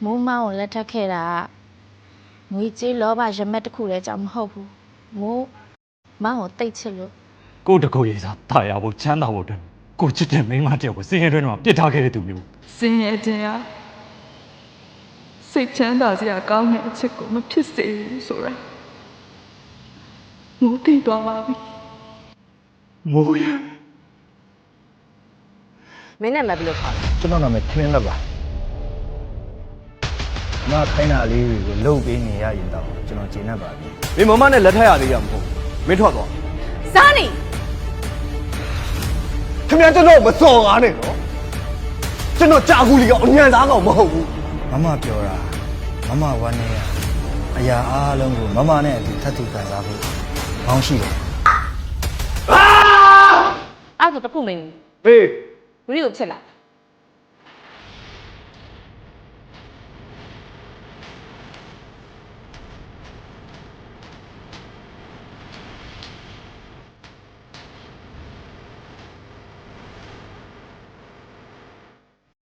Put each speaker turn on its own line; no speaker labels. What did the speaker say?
မိုးမောင်းကိုလက်ထပ်ခဲ့တာငွေကြေးလောဘရမက်တစ်ခုလည်းကြောင့်မဟုတ်ဘူးမိုးမောင်းကိုတိတ်ချစ်လို့
ကိုတကူရေးစားတာယာဖို့ချမ်းသာဖို့အတွက်ကိုချစ်တဲ့မိန်းမတယောက်ကိုစင်ရဲတွင်းမှာပြစ်ထားခဲ့တဲ့သူမျိုး
စင်ရဲ့တင်ဟာစိတ်ချမ်းသာစရာကောင်းတဲ့အချက်ကိုမဖြစ်စေဘူးဆိုရယ်မိုးသိသွားပါပြီ
မိုးရ
မင်းနဲ့မဘယ်လိုခေါ်လဲ
ကျွန်တော်နာမည်ထင်းလက်ပါမခိုင်းတာလေးတွေကိုလှုပ်ပေးနေရရင်တော့ကျွန်တော်ကျေနပ်ပါပြီ
မင်းမမနဲ့လက်ထပ်ရသေးရမဟုတ်မင်းထွက်သွား
စားနေ
ခင်ဗျာကျွန်တော်မစော်ကားနဲ့နော်ကျွန်တော်ကြာကူလီကအညံသားကောင်မဟုတ်ဘူး
မမပြောတာမမဝမ်းနေရအရာအားလုံးကိုမမနဲ့အတူထပ်တူခံစားဖို့ကောင်းရှိတယ်
အဲ့ဒါတခုမင်း
ဘေး
ဘူးကိုချစ်လား